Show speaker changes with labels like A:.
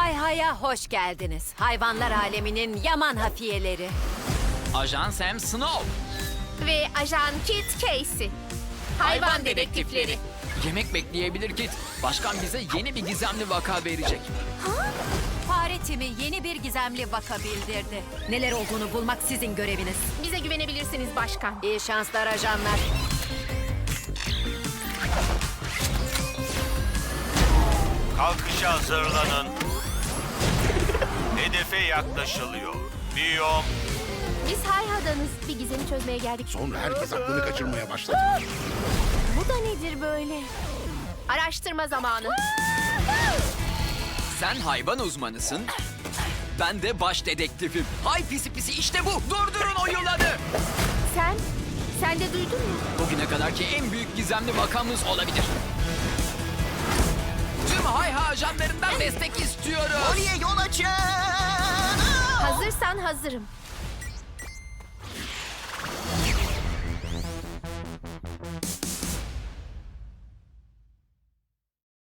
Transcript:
A: Hay Hay'a hoş geldiniz. Hayvanlar aleminin yaman hafiyeleri.
B: Ajan Sam Snow.
C: Ve Ajan Kit Casey. Hayvan dedektifleri.
B: Yemek bekleyebilir Kit. Başkan bize yeni bir gizemli vaka verecek.
A: Fare timi yeni bir gizemli vaka bildirdi. Neler olduğunu bulmak sizin göreviniz.
C: Bize güvenebilirsiniz başkan.
A: İyi şanslar ajanlar.
D: Kalkışa hazırlanın. Hedefe yaklaşılıyor. Biyom,
C: Biz Hayha'danız. Bir gizemi çözmeye geldik.
E: Sonra herkes aklını kaçırmaya başladı.
C: Bu da nedir böyle? Araştırma zamanı.
B: Sen hayvan uzmanısın. Ben de baş dedektifim. Hay pisi pisi işte bu. Durdurun o yılanı.
C: Sen de duydun mu?
B: Bugüne kadarki en büyük gizemli vakamız olabilir. Tüm Hayha ajanlarından destek istiyorum.
F: Oraya yol açın.
C: Hazırsan hazırım.